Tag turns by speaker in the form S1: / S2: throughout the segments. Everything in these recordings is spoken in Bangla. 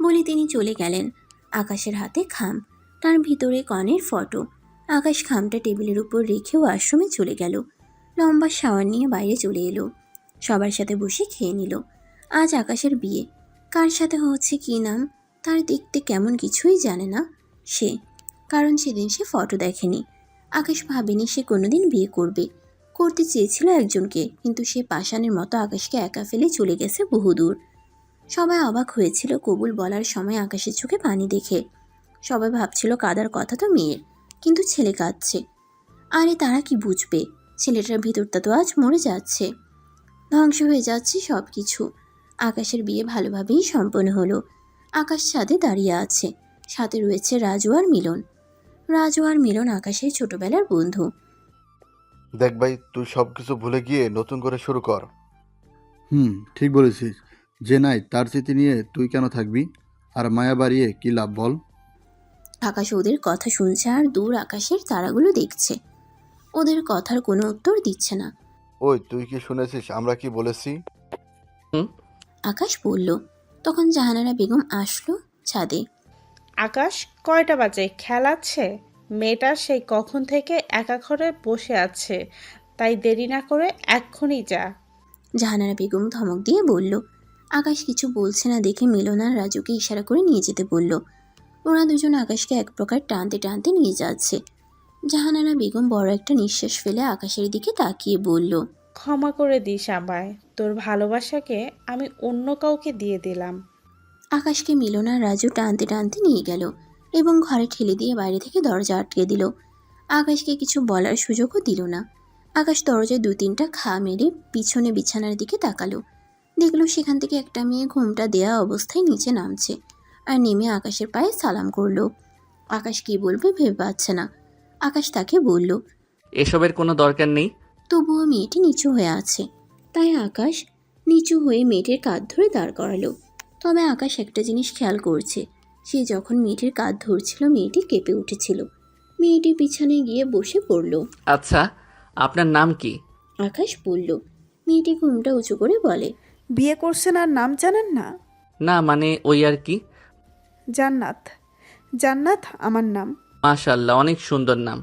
S1: বলে তিনি চলে গেলেন। আকাশের হাতে খাম, তার ভিতরে কনের ফটো। আকাশ খামটা টেবিলের উপর রেখে ওয়াশরুমে চলে গেল। লম্বা শাওয়ার নিয়ে বাইরে চলে এলো। সবার সাথে বসে খেয়ে নিল। আজ আকাশের বিয়ে। কার সাথে হচ্ছে কী নাম তার দেখতে কেমন কিছুই জানে না সে, কারণ সেদিন সে ফটো দেখেনি। আকাশ ভাবেনি সে কোনোদিন বিয়ে করবে। করতে চেয়েছিল একজনকে, কিন্তু সে পাষাণের মতো আকাশকে একা ফেলে চলে গেছে বহুদূর। সবাই অবাক হয়েছিল কবুল বলার সময় আকাশের চোখে পানি দেখে। সবাই ভাবছিল কাদার কথা তো মেয়ের, কিন্তু ছেলে কাঁদছে। আরে তারা কি বুঝবে, ছেলেটার ভিতরটা তো আজ মরে যাচ্ছে, ধ্বংস হয়ে যাচ্ছে সব কিছু। আকাশের বিয়ে ভালোভাবেই সম্পন্ন হলো। আকাশ ছাদে দাঁড়িয়ে আছে, সাথে রয়েছে রাজু আর মিলন। রাজু আর মিলন আকাশের ছোটবেলার বন্ধু।
S2: দেখ ভাই, তুই সবকিছু ভুলে গিয়ে নতুন করে শুরু কর।
S3: ঠিক বলেছিস। যে নাই তার স্মৃতি নিয়ে তুই কেন থাকবি? আর মায়া বাড়িয়ে কি লাভ বল?
S1: আকাশ ওদের কথা শুনছে আর দূর আকাশের তারাগুলো দেখছে। ওদের কথার কোনো উত্তর দিচ্ছে না।
S2: ওই তুই কি শুনেছিস আমরা কি বলেছি?
S4: হুম।
S1: আকাশ বলল। তখন জাহানারা বেগম আসলো ছাদে।
S5: আকাশ, কয়টা বাজে? খেলাচ্ছে? মেয়েটা সেই কখন থেকে একা ঘরে বসে আছে, তাই দেরি না করে এক্ষুনি যা।
S1: জাহানারা বেগম ধমক দিয়ে বলল। আকাশ কিছু বলছে না দেখে মিলন আর রাজুকে ইশারা করে নিয়ে যেতে বলল। ওরা দুজন আকাশকে এক প্রকার টানতে টানতে নিয়ে যাচ্ছে। জাহানারা বেগম বড় একটা নিঃশ্বাস ফেলে আকাশের দিকে তাকিয়ে বলল,
S5: ক্ষমা করে দিস আমায়, তোর ভালোবাসাকে আমি অন্য কাউকে দিয়ে দিলাম।
S1: আকাশকে মিলন আর রাজু টানতে টানতে নিয়ে গেল এবং ঘরে ঠেলে দিয়ে বাইরে থেকে দরজা আটকে দিল। আকাশকে কিছু বলার সুযোগও দিল না। আকাশ দরজায় 2-3টা খা মেরে পিছনে বিছানার দিকে তাকালো। দেখলো সেখান থেকে একটা মেয়ে ঘুমটা দেয়া অবস্থায় নিচে নামছে আর নেমে আকাশের পায়ে সালাম করলো। আকাশ কি বলবে ভেবে পাচ্ছে না। আকাশ তাকে বলল।
S4: এসবের কোনো দরকার নেই।
S1: তবুও মেয়েটি নিচু হয়ে আছে, তাই আকাশ নিচু হয়ে মেয়েটির কাঁধ ধরে দাঁড় করালো। তবে আকাশ একটা জিনিস খেয়াল করছে, সে যখন মেয়েটির কাঁধ ধরছিল মেয়েটি কেঁপে উঠেছিল। মেয়েটি পিছনে গিয়ে বসে পড়ল।
S4: আচ্ছা, আপনার নাম কি?
S1: আকাশ বলল। মেয়েটি ঘুমটা উঁচু করে বলে,
S6: বিয়ে করছেন আর নাম জানেন না?
S4: না মানে ওই আর কি।
S6: জান্নাত। জান্নাত আমার নাম।
S4: মাশাআল্লাহ, অনেক সুন্দর নাম।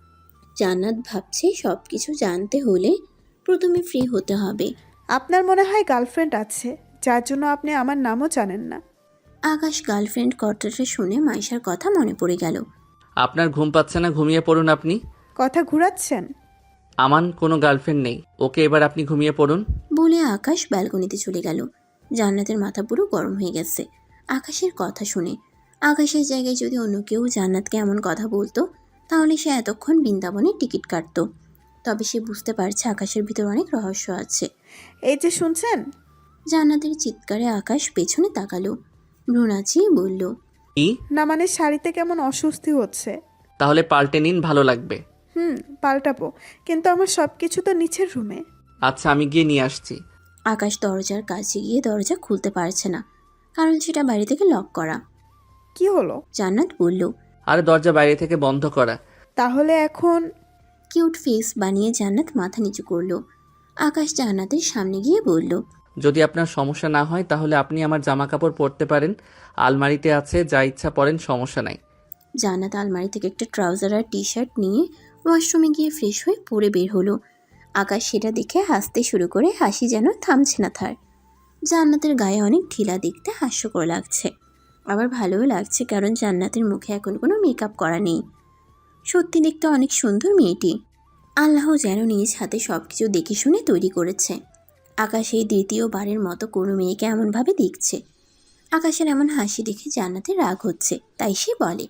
S1: জান্নাত ভাবছে সব কিছু জানতে হলে প্রথমে ফ্রি হতে হবে।
S6: আপনার মনে হয় গার্লফ্রেন্ড আছে, যার জন্য আপনি আমার নামও জানেন না।
S1: আকাশ গার্লফ্রেন্ড কথাটা শুনে মাইশার কথা মনে পড়ে গেল।
S4: আপনার ঘুম পাচ্ছে না, ঘুমিয়ে পড়ুন আপনি।
S6: কথা ঘুরাচ্ছেন?
S4: আমার কোনো গার্লফ্রেন্ড নেই। ওকে, এবার আপনি ঘুমিয়ে পড়ুন।
S1: বলে আকাশ ব্যালকনিতে চলে গেল। জান্নাতের মাথা পুরো গরম হয়ে গেছে আকাশের কথা শুনে। আকাশের জায়গায় যদি অন্য কেউ জান্নাতকে এমন কথা বলতো তাহলে সে এতক্ষণ বৃন্দাবনের টিকিট কাটতো। তবে সে বুঝতে পারছে আকাশের ভিতর অনেক রহস্য আছে।
S6: এই যে শুনছেন?
S1: জান্নাতের চিৎকারে আকাশ পেছনে তাকালো, ভ্রু নাচিয়ে বলল,
S4: কি?
S6: না মানে শাড়িতে কেমন অস্বস্তি হচ্ছে।
S4: তাহলে পাল্টে নিন, ভালো লাগবে।
S6: পাল্টাবো, কিন্তু আমার সব কিছু তো নিচের রুমে।
S4: আচ্ছা, আমি গিয়ে নিয়ে আসছি।
S1: আকাশ দরজার কাছে গিয়ে দরজা খুলতে পারছে না, কারণ সেটা বাইরে থেকে লক করা।
S6: কি হলো?
S1: জান্নাত বলল।
S4: আরে দরজা বাইরে থেকে বন্ধ করা।
S6: তাহলে এখন?
S1: কিউট ফেস বানিয়ে জান্নাত মাথা নিচু করলো। আকাশ জান্নাতের সামনে গিয়ে বলল,
S4: যদি আপনার সমস্যা না হয় তাহলে আপনি আমার জামা কাপড় পরতে পারেন। আলমারিতে আছে, যা ইচ্ছা পরেন, সমস্যা নাই।
S1: জান্নাত আলমারি থেকে একটা ট্রাউজার আর টি শার্ট নিয়ে ওয়াশরুমে গিয়ে ফ্রেশ হয়ে পরে বের হলো। আকাশ সেটা দেখে হাসতে শুরু করে, হাসি যেন থামছে না তার। জান্নাতের গায়ে অনেক ঢিলা, দেখতে হাস্যকর লাগছে, আবার ভালোও লাগছে, কারণ জান্নাতের মুখে এখন কোনো মেকআপ করা নেই। সত্যি দেখতে অনেক সুন্দর মেয়েটি। আল্লাহ যেন নিজ হাতে সব কিছু দেখে শুনে তৈরি করেছে। আকাশ এই দ্বিতীয়বারের মতো কোনো মেয়েকে এমনভাবে দেখছে। আকাশের এমন হাসি দেখে জান্নাতের রাগ হচ্ছে, তাই সে বলে,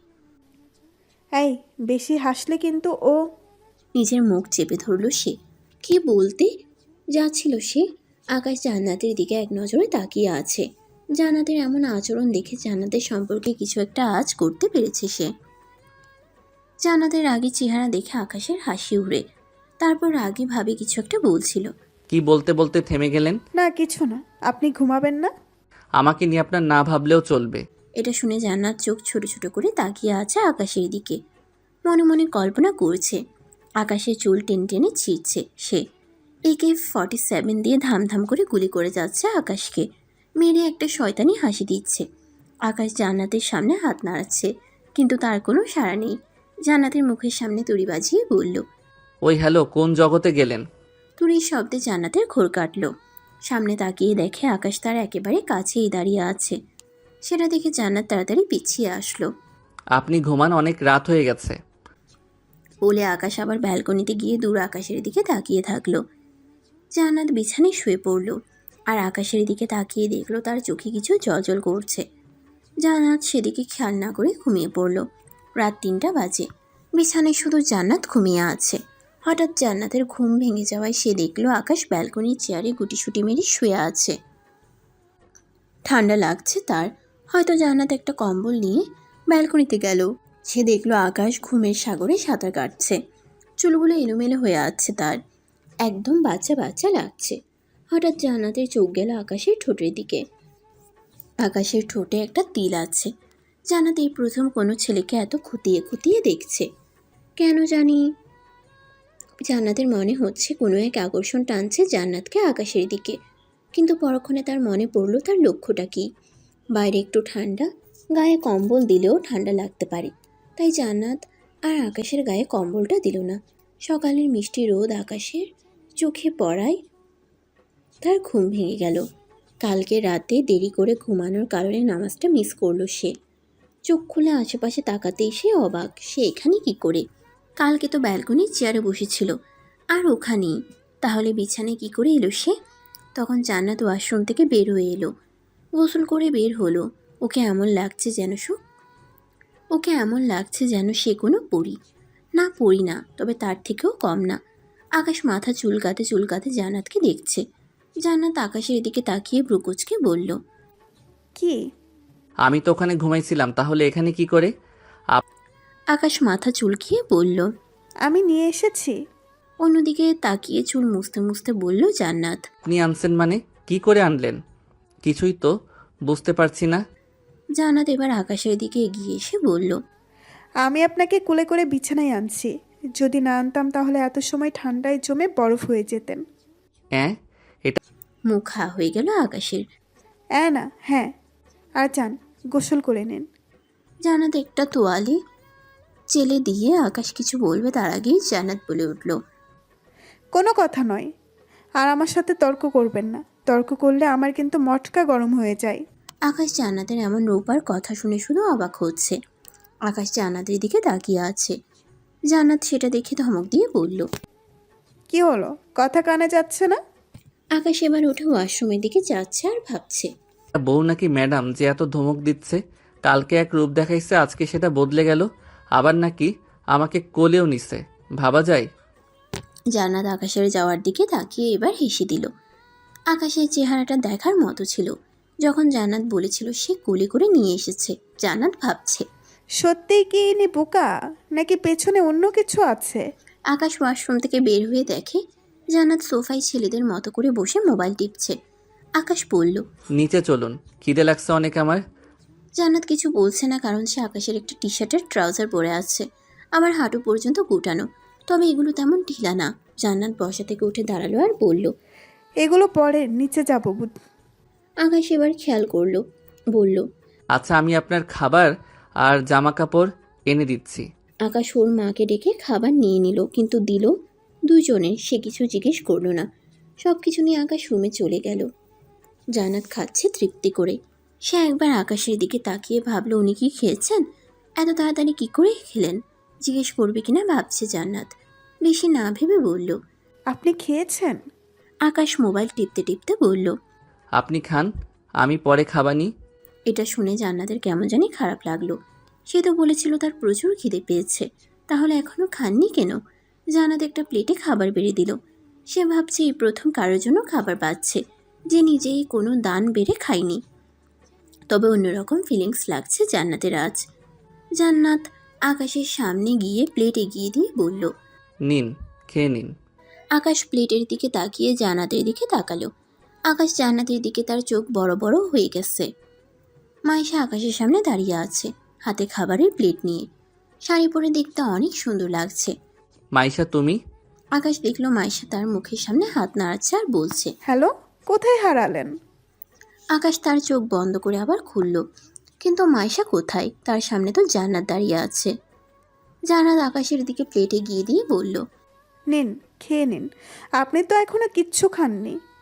S6: এই বেশি হাসলে কিন্তু ও।
S1: নিজের মুখ চেপে ধরল সে। কি বলতে যাচ্ছিল সে? আকাশ জান্নাতের দিকে এক নজরে তাকিয়ে আছে। জান্নাতের এমন আচরণ দেখে জান্নাতের সম্পর্কে কিছু একটা আজ করতে পেরেছে সে। জান্নাতের রাগী চেহারা দেখে আকাশের হাসি উড়ে। তারপর রাগী ভাবে কিছু একটা বলছিল।
S4: কি বলতে বলতে থেমে গেলেন?
S6: না কিছু না, আপনি ঘুমাবেন না?
S4: আমাকে নিয়ে আপনার না ভাবলেও চলবে।
S1: এটা শুনে জান্নাত চোখ ছোট ছোট করে তাকিয়ে আছে আকাশের দিকে। মনে মনে কল্পনা করছে আকাশের চুল টেনে টেনে ছিঁড়ছে সে। AK-47 দিয়ে ধামধাম করে গুলি করে যাচ্ছে আকাশকে, মেরে একটা শয়তানি হাসি দিচ্ছে। আকাশ জান্নাতের সামনে হাত নাড়াচ্ছে, কিন্তু তার কোনো সাড়া নেই। জান্নাতের মুখের সামনে তুড়ি বাজিয়ে বলল।
S4: ওই হ্যালো, কোন জগতে গেলেন?
S1: তুড়ির শব্দে জান্নাতের ঘোর কাটল। সামনে তাকিয়ে দেখে আকাশ তার একেবারে কাছেই দাঁড়িয়ে আছে। সেটা দেখে জান্নাত তাড়াতাড়ি পিছিয়ে আসলো।
S4: আপনি ঘুমান, অনেক রাত হয়ে গেছে।
S1: বলে আকাশ আবার ব্যালকনিতে গিয়ে দূর আকাশের দিকে তাকিয়ে থাকলো। জান্নাত বিছানায় শুয়ে পড়ল, আর আকাশের দিকে তাকিয়ে দেখলো তার চোখে কিছু জলজল করছে। জান্নাত সেদিকে খেয়াল না করে ঘুমিয়ে পড়ল। রাত 3টা বাজে। বিছানায় শুধু জান্নাত ঘুমিয়ে আছে। হঠাৎ জান্নাতের ঘুম ভেঙে যাওয়ায় সে দেখলো আকাশ ব্যালকনির চেয়ারে গুটিসুটি মেরে শুয়ে আছে। ঠান্ডা লাগছে তার। হয়তো জান্নাত একটা কম্বল নিয়ে ব্যালকনিতে গেল। সে দেখলো আকাশ ঘুমের সাগরে সাঁতার কাটছে। চুলগুলো এলোমেলো হয়ে আছে তার, একদম বাচ্চা বাচ্চা লাগছে। হঠাৎ জান্নাতের চোখ গেল আকাশের ঠোঁটের দিকে। আকাশের ঠোঁটে একটা তিল আছে। জান্নাত এই প্রথম কোনো ছেলেকে এত খুঁটিয়ে খুঁটিয়ে দেখছে। কেন জানি জান্নাতের মনে হচ্ছে কোনো এক আকর্ষণ টানছে জান্নাতকে আকাশের দিকে। কিন্তু পরক্ষণে তার মনে পড়ল তার লক্ষ্যটা কী। বাইরে একটু ঠান্ডা, গায়ে কম্বল দিলেও ঠান্ডা লাগতে পারে। তাই জান্নাত আর আকাশের গায়ে কম্বলটা দিল না। সকালের মিষ্টি রোদ আকাশের চোখে পড়ায় তার ঘুম ভেঙে গেল। কালকে রাতে দেরি করে ঘুমানোর কারণে নামাজটা মিস করলো সে। চোখ খুলে আশেপাশে তাকাতেই সে অবাক, সে এখানে কি করে? কালকে তো ব্যালকনির চেয়ারে বসেছিল, আর ওখানেই। তাহলে বিছানায় কি করে এলো সে? তখন জান্নাত ওয়াশরুম থেকে বের হয়ে এলো। গোসল করে বের হলো। ওকে এমন লাগছে যেন সে কোনো পরী। না, পরী না, তবে তার থেকেও কম না। আকাশ মাথা চুলকাতে চুলকাতে জান্নাতকে দেখছে। জান্নাত আকাশের দিকে তাকিয়ে ব্রুকুচকে বলল।
S6: কি?
S4: আমি তো ওখানে ঘুমাইছিলাম, তাহলে এখানে কি করে?
S1: আকাশ মাথা চুলকিয়ে বলল।
S6: আমি নিয়ে এসেছি।
S1: অন্যদিকে তাকিয়ে চুল মুছতে মুছতে বলল জান্নাত।
S4: আপনি আনছেন মানে? কি করে আনলেন? কিছুই তো বুঝতে পারছি না।
S1: জান্নাত এবার আকাশের দিকে এগিয়ে এসে বলল।
S6: আমি আপনাকে কোলে করে বিছানায় আনছি। যদি না আনতাম তাহলে এত সময় ঠান্ডায় জমে বরফ হয়ে যেতেন।
S4: হ্যাঁ,
S1: মুখ হা হয়ে গেল আকাশের।
S6: না, হ্যাঁ। আর যান, গোসল করে নিন।
S1: জান্নাত একটা তোয়ালে চেলে দিয়ে আকাশ কিছু বলবে তার আগেই জান্নাত বলে উঠল।
S6: কোনো কথা নয়। আর আমার সাথে তর্ক করবেন না। তর্ক করলে আমার কিন্তু মটকা গরম হয়ে যায়।
S1: আকাশ জান্নাতের এমন রূপার কথা শুনে শুধু অবাক হচ্ছে। আকাশ জান্নাতের দিকে তাকিয়ে আছে। জান্নাত সেটা দেখে ধমক দিয়ে বলল।
S6: কি হলো, কথা কানে যাচ্ছে না?
S1: আকাশ এবার উঠে ওয়াশরুমের দিকে যাচ্ছে আর ভাবছে।
S4: বউ নাকি ম্যাডাম যে এত ধমক দিচ্ছে? কালকে এক রূপ দেখাইছে, আজকে সেটা বদলে গেল। আবার নাকি আমাকে কোলেও নিছে। ভাবা যায়?
S1: জান্নাত আকাশের যাওয়ার দিকে তাকিয়ে এবার হেসে দিল। আকাশের চেহারাটা দেখার মতো ছিল। যখন জান্নাত বলেছিল সে কোলে করে নিয়ে এসেছে, জান্নাত ভাবছে
S6: সত্যিই কি ইনি বোকা, নাকি পেছনে অন্য কিছু আছে?
S1: আকাশ ওয়াশরুম থেকে বের হয়ে দেখে জান্নাত সোফায় ছেলেদের মতো করে বসে মোবাইল টিপছে। আকাশ বলল।
S4: নিচে চলুন, খিদে লাগছে অনেক আমার।
S1: জান্নাত কিছু বলছে না, কারণ সে আকাশের একটা টি শার্টের ট্রাউজার পরে আছে, আবার হাঁটু পর্যন্ত গুটানো। তবে এগুলো তেমন ঢিলা না। জান্নাত বসা থেকে উঠে দাঁড়ালো আর বলল।
S6: এগুলো পরে নিচে যাবো।
S1: আকাশ এবার খেয়াল করলো, বলল।
S4: আচ্ছা, আমি আপনার খাবার আর জামা কাপড় এনে দিচ্ছি।
S1: আকাশ ওর মাকে ডেকে খাবার নিয়ে নিল, কিন্তু দিল দুজনের। সে কিছু জিজ্ঞেস করলো না। সব কিছু নিয়ে আকাশ রুমে চলে গেল। জান্নাত খাচ্ছে তৃপ্তি করে। সে একবার আকাশের দিকে তাকিয়ে ভাবলো উনি কি খেয়েছেন, এত তাড়াতাড়ি কি করে খেলেন। জিজ্ঞেস করবে কিনা ভাবছে জান্নাত। বেশি না ভেবে বলল।
S6: আপনি খেয়েছেন?
S1: আকাশ মোবাইল টিপতে টিপতে বলল।
S4: আপনি খান, আমি পরে খাবানি।
S1: এটা শুনে জান্নাতের কেমন জানি খারাপ লাগলো। সে তো বলেছিল তার প্রচুর খিদে পেয়েছে, তাহলে এখনো খাননি কেন? জান্নাত একটা প্লেটে খাবার বেড়ে দিল। সে ভাবছে এই প্রথম কারোর জন্য খাবার পাচ্ছে, যে নিজেই কোনো দান বেড়ে খায়নি। তবে অন্যরকম ফিলিংস লাগছে জান্নাতের আজ। জান্নাত আকাশের সামনে গিয়ে প্লেট এগিয়ে দিয়ে বলল।
S4: নিন, খেয়ে নিন।
S1: আকাশ প্লেটের দিকে তাকিয়ে জান্নাতের দিকে তাকালো। আকাশ জান্নাতের দিকে তার চোখ বড় বড় হয়ে গেছে। মাইশা আকাশের সামনে দাঁড়িয়ে আছে, হাতে খাবারের প্লেট নিয়ে। শাড়ি পরে দেখতে অনেক সুন্দর লাগছে।
S4: মাইশা, তুমি?
S1: আকাশ দেখলো মাইশা তার মুখের সামনে হাত নাড়াচ্ছে আর বলছে।
S6: হ্যালো, কোথায় হারালেন?
S1: আকাশ তার চোখ বন্ধ করে আবার খুলল। কিন্তু মাইশা কোথায়? তার সামনে তো জান্নাত দাঁড়িয়ে আছে। জান্নাত আকাশের দিকে প্লেটে গিয়ে দিয়ে বলল,
S6: নিন, খেয়ে নিন। আপনি তো এখনো কিচ্ছু খাননি।